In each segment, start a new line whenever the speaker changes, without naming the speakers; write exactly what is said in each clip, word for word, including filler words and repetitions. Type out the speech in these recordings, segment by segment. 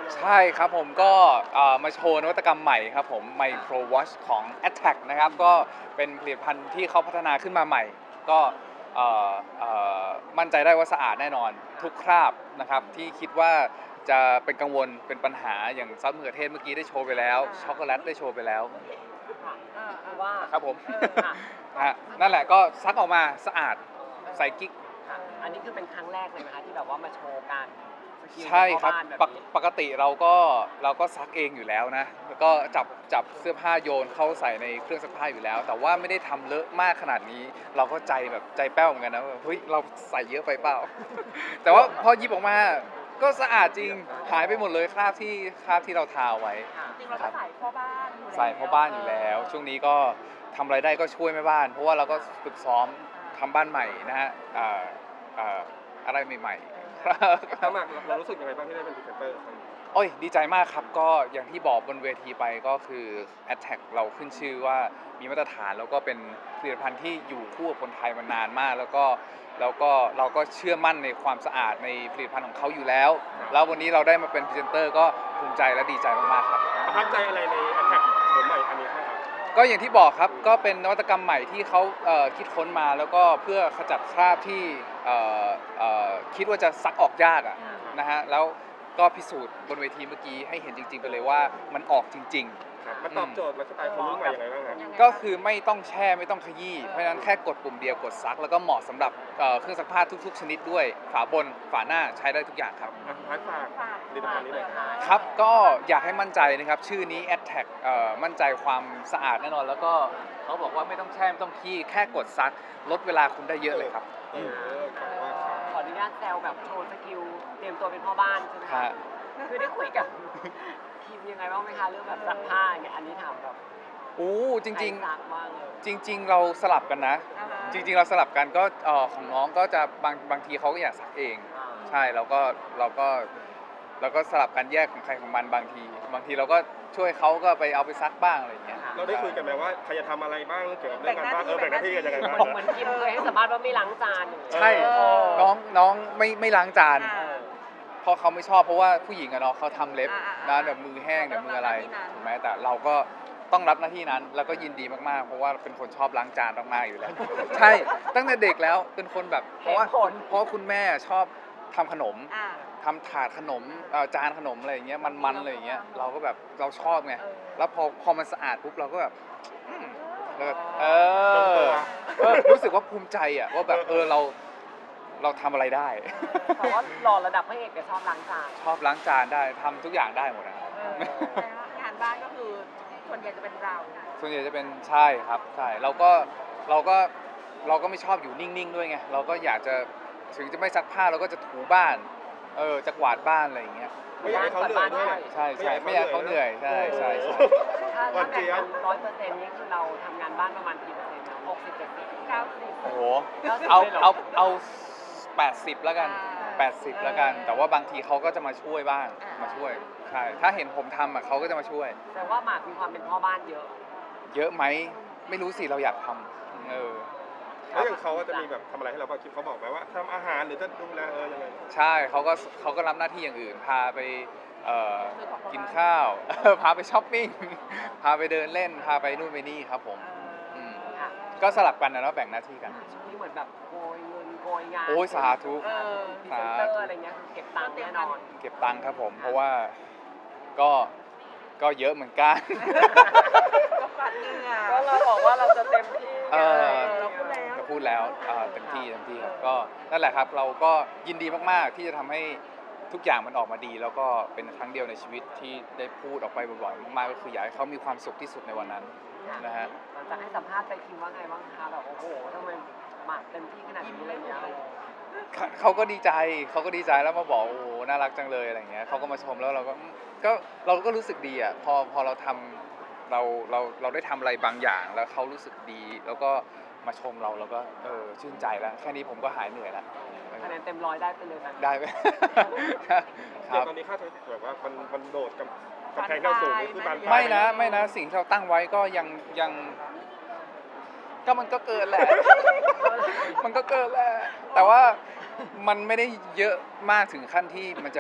ใช่ครับผมก็เอ่อมาโชว์นวัตกรรมใหม่ครับผม Micro Watch ของ Attack นะครับก็เป็นผลิตภัณฑ์ที่เขาพัฒนาขึ้นมาใหม่ก็เอ่อเอ่อมั่นใจได้ว่าสะอาดแน่นอนทุกคราบนะครับที่คิดว่าจะเป็นกังวลเป็นปัญหาอย่างซอสมะเขือเทศเมื่อกี้ได้โชว์ไปแล้วช็อกโกแลตได้โชว์ไปแล้ว
ค่ะ
เออ
คือว่า
ครับผม
เออ
ค่ะ
ฮะนั่นแหละก็ซักออกมาสะอาดใส่กิ๊ก
ค่ะอันนี้คือเป็นครั้งแรกเลยไหมคะที่แบบว่ามาโชว์การสกิล
ใช่ครับ
พ่อานแบบ
ปก
นี้
ปกติเราก็เราก็ซักเองอยู่แล้วนะแล้วก็จับจับเสื้อผ้าโยนเข้าใส่ในเครื่องซักผ้าอยู่แล้ว แต่ว่าไม่ได้ทำเลอะมากขนาดนี้ เราก็ใจแบบใจแป้วเหมือนกันนะว่าเฮ้ยเราใส่เยอะไปเปล่า แต่ว่าพอหยิบออกมาก็สะอาดจริงหายไปหมดเลยคราบที่คราบที่เราทาไว้
ค่ะ
จริงเราก็ใส่พ่อบ้านอยู่แล้ว
ใส่พ่อบ้านอยู่แล้ว ช่วงนี้ก็ทำอะไรได้ก็ช่วยแม่บ้าน เพราะว่าเราก็ฝึกซ้อมทำบ้านใหม่นะฮะอ่าอ่าอะไรใหม่ๆ
ถ้าหมากเรารู้สึกยังไงบ้างที่ได้เป็นพรีเซนเตอร์ครั้งนี้
โอ้ยดีใจมากครับก็อย่างที่บอกบนเวทีไปก็คือ Attack เราขึ้นชื่อว่ามีมาตรฐานแล้วก็เป็นผลิตภัณฑ์ที่อยู่คู่กับคนไทยมานานมาก แล้วก็แล้วก็เราก็เชื่อมั่นในความสะอาดในผลิตภัณฑ์ของเขาอยู่แล้ว แล้ววันนี้เราได้มาเป็นพรีเซนเตอร์ก็ภูมิใจและดีใจมากๆครับ
ประทับใจอะไรในแอ t แทกโฉมใหม่อันนี้บ้างครับ
ก็อย่างที่บอกครับก็เป็นนวัตกรรมใหม่ที่เขาเอ่อคิดค้นมาแล้วก็เพื่อขจัดคราบที่เอ่อเอ่อคิดว่าจะซักออกยากอะนะฮะแล้วก็พิสูจน์บนเวทีเมื่อกี้ให้เห็นจริงๆไปเลยว่ามันออกจริง
ครับมันตอบโจทย์ไลฟ์สไตล์คนรุ่นใหม่ยังไงบ้างครับ
ยังไง
ๆ ก็คือไม่ต้องแช่ไม่ต้องขยี้เพราะฉะนั้นแค่กดปุ่มเดียวกดซัก แล้วก็เหมาะสำหรับเอ่อเครื่องซักผ้าทุกๆ ชนิดด้วยฝาบนฝาหน้าใช้ได้ทุกอย่างครับ
อ่ะท้ายฝากผลิตภัณฑ์นี้หน่อยครับ
ครับก็อยากให้มั่นใจนะครับชื่อนี้ Attack เอ่อมั่นใจความสะอาดแน่นอน แล้วก็เขาบอกว่าไม่ต้องแช่ไม่ต้องขี้แค่กดซักลดเวลาคุณได้เยอะเลยครับ
เออขอบคุณมากครับ
ขออนุญาตแซวแบบโชว์สกิลเตรียมตัวเป็นพ่อบ้านใช่ไหม
ฮะ
คะคือได้คุยกับ ทีมยังไงบ้างไหมคะเรื่องแบบซักผ้าอย่างเงี้ยอันนี้ถามแบบ
อู้จริง
ใคซักบ้างเลย
ๆ จริง ๆ เราสลับกันนะ
อ่าฮะ
จริง ๆ เราสลับกันก็เอ่อของน้องก็จะบางบางทีเขาก็อยากซักเอง
อ่า
ใช่เราก็เราก็เราก็สลับกันแยกของใครของมันบางที บางทีเราก็ช่วยเขาก็ไปเอาไปซักบ้างอะไรอย่างเงี้ย
เราได้คุยกันไหมว่าใครจะทำอะไรบ้างเกี่ยวกับเรื่องการบ้านเออแบ่งหน้าที่กันยังไงบ้าง
เหมือนกิมเคยให้สัมภาษณ์ว่าไม่ล้างจานอย่างเงี้ย
ใช่
เออ
น้องน้องไม่ไม่ล้างจาน
อ่า
เพราะเขาไม่ชอบเพราะว่าผู้หญิงอะเนาะเขาทำเล็บ
อ่าอ่า
นะแบบมือแห้งเดี๋ยวมืออะไร
เราต้องรับหน้าที่นั้น
ถูกไหมแต่เราก็ต้องรับหน้าที่นั้นแล้วก็ยินดีมากๆ เพราะว่าเป็นคนชอบล้างจานมากๆอยู่แล้ว ใช่ตั้งแต่เด็กแล้วเป็นคนแบบเพราะว่า
เหตุผล
เพราะคุณแม่ชอบทำขนม
อ่า
ทำถาดขนมเอ่อจานขนมอะไรอย่างเงี้ยมันๆอะไรอย่างเงี้ยเราก็แบบเราชอบไง
เออ
แล้วพอพอมันสะอาดปุ๊บเราก็แบบอืมแล้วก็เอ
ลงตั
อ
ว
เออรู้สึกว่าภูมิใจอ่ะว่าแบบเออเราเราทำอะไรได้
แต่ว่าหล่อระดับพระเอกแต่ชอบล้างจาน
ชอบล้างจานได้ทำทุกอย่างได้หมดนะ
เออแต่ว่างานบ้านก็คือส่วนใหญ่จะเป็นเรา
ส่วนใหญ่จะเป็นใช่ครับใช่เราก็เราก็เราก็ไม่ชอบอยู่นิ่งๆด้วยไงเราก็อยากจะถึงจะไม่ซักผ้าเราก็จะถูบ้านเออจะกวาดบ้านอะไรอย่างเงี้ย
ไม่อยากให้เขาเหนื่อยด้วย
ใช่ใช่ไม่อยากให้เขาเหนื่อยใช่ใช่ใช่
ถ้า
วั
ถ้าน แบ่
เจี๊
ง
ยบ
ร้อยเปอร์เซ็นต์นี่คือเราทำงานบ้านประมาณกี่เปอร์เซ็นต์นะหกสิบเจ็ดสิบ
เก้าสิบ
โอ้โห
เก้าสิบ
เอา
เลยเหรอ
เอาเอาแปดสิบแล้วกัน
อ่า
แปดสิบแล้วกัน แต่ว่าบางทีเขาก็จะมาช่วยบ้าง
อ่าม
มาช่วยใช่ถ้าเห็นผมทำอ่ะเขาก็จะมาช่วย
แต่ว่าหมากมีความเป็นพ่อบ้านเยอะ
เยอะไหมไม่รู้สิเราอยากทำเออ
แล้วอย่างเขาจะมีแบบทำอะไรให้เราบ้างคิดเขาบอกไหมว่าทำอาหารหรือจะดูแลเออยังไง
ใช่เขาก็เขาก็รับหน้าที่อย่างอื่น พาไปเอ่อกินข้าว พาไปช้อปปิ้ง พาไปเดินเล่น พาไปนู่นไปนี่ครับผมม
ค่ะ
ก็สลับกันนะเนาะแบ่งหน้าที่กัน
ช่วงนี้เหมือนแบบโกยเงินโกยงาน
โอ้ยสาธุ
เออ
พรีเซนเตอร์อะไรเงี้ยคือเก็บตังค์แน่นอน
เก็บตังค์ครับผม เพราะว่าก็ก็เยอะเหมือนกัน
ก็ปัดเหงื่อ
ก็เราบอกว่าเราจะเต็มที่
เออ
เราพูดแล้ว
ก็พูดแล้วอ่าเต็มที่เต็มที่ครับก็นั่นแหละครับเราก็ยินดีมากๆที่จะทำให้ทุกอย่างมันออกมาดี แล้วก็เป็นครั้งเดียวในชีวิตที่ได้พูดออกไปบ่อยๆมากๆก็คืออยากให้เขามีความสุขที่สุดในวันนั้นนะฮะ
หลังจากให้สัมภาษณ์ไปคิมว่าไงบ้างคะแบบโอ้โหทำไมหมากเต็มที่ขนาดนี้อะไรเงี้ย
เขาเขาก็ดีใจเขาก็ดีใจแล้วมาบอกโอ้โหน่ารักจังเลยอะไรเงี้ยเขาก็มาชมแล้วเราก็อืมก็เราก็รู้สึกดีอ่ะพอพอเราทำเราเราเราได้ทำอะไรบางอย่างแล้วเขารู้สึกดี แล้วก็มาชมเราเราก็เออชื่นใจแล้วแค่นี้ผมก็หายเหนื่อยแล้ว
คะแนนเต็มร้อยได้ไปเลยนะ
ได้ไหม ค
เดี๋ย
รั
ว
บ
ตอนนี้ค่าใช้จ่ายแบบว่ามันมันโดดกับกำแพงที่เราสูงนี่คือบานปลาย
ไม่นะไม่นะสิ่งที่เราตั้งไว้ก็ยังยังก็มันก็เกินแหละ มันก็เกินแหละแต่ว่ามันไม่ได้เยอะมากถึงขั้นที่มันจะ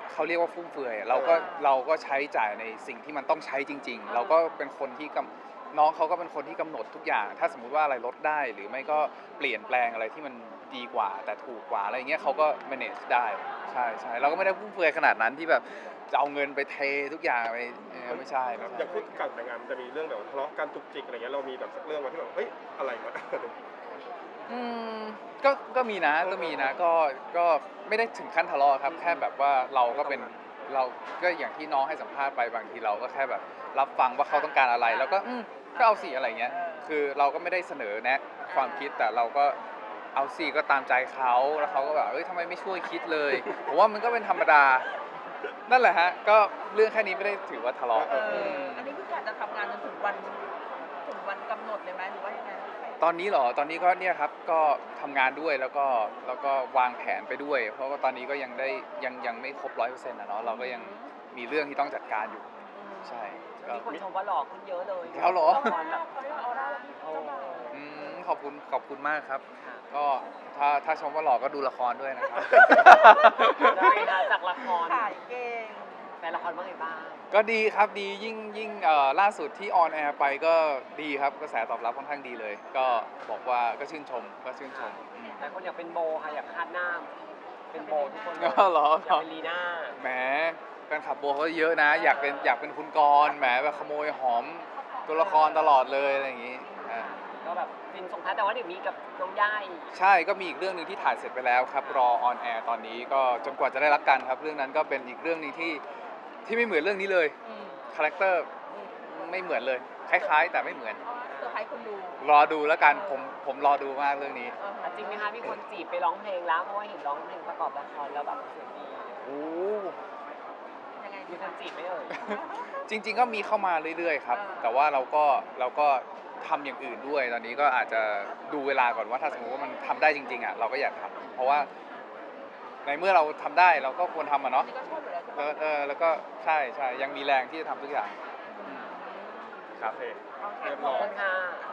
เขาเรียกว่าฟุ่มเฟือยเราก็เราก็ใช้จ่ายในสิ่งที่มันต้องใช้จริง ๆ เราก็เป็นคนที่กำน้องเขาก็เป็นคนที่กำหนดทุกอย่าง ถ้าสมมุติว่าอะไรลดได้หรือไม่ก็เปลี่ยนแปลงอะไรที่มันดีกว่า แต่ถูกกว่าอะไรเงี้ยเขาก็ manage ได้ใช่ใช่เราก็ไม่ได้ฟุ่มเฟือยขนาดนั้นที่แบบจะเอาเงินไปเททุกอย่างไปเออไม่ใช่ไม่
อ
ใช่
ย่างพูดการแต่งงานมันจะมีเรื่องแบบทะเลาะกันจุกจิกอะไรเงี้ยเรามีแบบสักเรื่องมาที่แบบเฮ้ยอะไรวะ
อืมก็ก็มีนะก็มีนะก็ก็ไม่ได้ถึงขั้นทะเลาะครับแค่แบบว่าเราก็เป็นเราก็อย่างที่น้องให้สัมภาษณ์ไปบางทีเราก็แค่แบบรับฟังว่าเขาต้องการอะไรแล้วก็อืมก็เอาสิอะไรเงี้ยคือเราก็ไม่ได้เสนอแนะความคิดแต่เราก็เอาสิก็ตามใจเขาแล้วเขาก็แบบเอ้ยทำไมไม่ช่วยคิดเลยผมว่ามันก็เป็นธรรมดานั่นแหละฮะก็เรื่องแค่นี้ไม่ได้ถือว่าทะเลาะ
เออ
อืม
อันนี้คือการจะทำงานจนถึงวันถึงวันกำหนดเลยไหมหรือว่ายังไง
ตอนนี้เหรอ ตอนนี้ก็เนี่ยครับ ก็ทำงานด้วยแล้วก็แล้วก็วางแผนไปด้วย เพราะว่าตอนนี้ก็ยังได้ยังยังไม่ครบร้อยเปอร์เซ็นต์นะเนาะ เราก็ยังมีเรื่องที่ต้องจัดการอยู่ ใช่ ก็
มีคนชมว่าหล่อขึ้นเยอะเลย
แล้วเหรอ
ละครแบบ
เขาเรียกว่าออร่าที่
โอ้
เจ้าบ่าว
อืมขอบคุณขอบคุณมากครับ
ค่ะ
ก็ถ้าถ้าชมว่าหล่อก็ดูละครด้วยนะครับ
ได้ค่ะจากละคร
ขายเก่ง
แฟนละครว่าไงบ้าง
ก็ดีครับดียิ่งยิ่งเอ่อล่าสุดที่ออนแอร์ไปก็ดีครับกระแสตอบรับค่อนข้างดีเลย ก็บอกว่าก็ชื่นชมก็ชื่นชมอืม
หลายคนอยากเป็นโบค่ะอยากคาดหน้า เป็นโบทุกคนเลย
อ๋อเหรอ
อยากเป็นลีน่า
แหมแฟนคลับโบเขาเยอะนะ อยากเป็นอยากเป็นคุณกรณ์แหมแบบขโมยหอมตัวละครตลอดเลยอะไรอย่างงี้อ่า
ก็แบบฟินส่งท้ายแต่ว่าเดี๋ยวมีกับน้องย่าย
ใช่ก็มีอีกเรื่องหนึ่งที่ถ่ายเสร็จไปแล้วครับ รอออนแอร์ตอนนี้ก็จนกว่าจะได้รับกันครับ เรื่องนั้นก็เป็นอีกเรื่องหนึงที่ที่ไม่เหมือนเรื่องนี้เลย
อืม
คาแรคเตอร์ไม่เหมือนเลย คล้ายๆ แต่ไม่เหมือน
เพราะว่าเซอร์ไพรส์คนดู
รอดูแล้วกันผมผมรอดูมากเรื่องนี้
เออ
อ่ะจริงไหมคะมีคนจีบไปร้องเพลงแล้ว เพราะว่าเห็นร้องเพลงประกอบละครแล้วแบบเสียงดี
โอ้
ยังไง
มี
ดี
คนจีบไหมเอ่ย
จริง ๆ ก็มีเข้ามาเรื่อยๆครับ แต่ว่าเราก็เราก็ทำอย่างอื่นด้วย ตอนนี้ก็อาจจะดูเวลาก่อนว่าถ้าสมมติว่ามันทำได้จริงๆอ่ะเราก็อยากทำเพราะว่าในเมื่อเราทำได้เราก็ควรทำอ่ะ
อั
เนาะ
นนี้ก็ชอบอยู่แล้วใช่
เอ
ปะ
อเออแล้วก็ใช่ใช่ยังมีแรงที่จะทำทุกอย่างอืมครับ
โอเค
โอเค
เรียบ
ข
ร้
อบ
อย
คุณค่ะ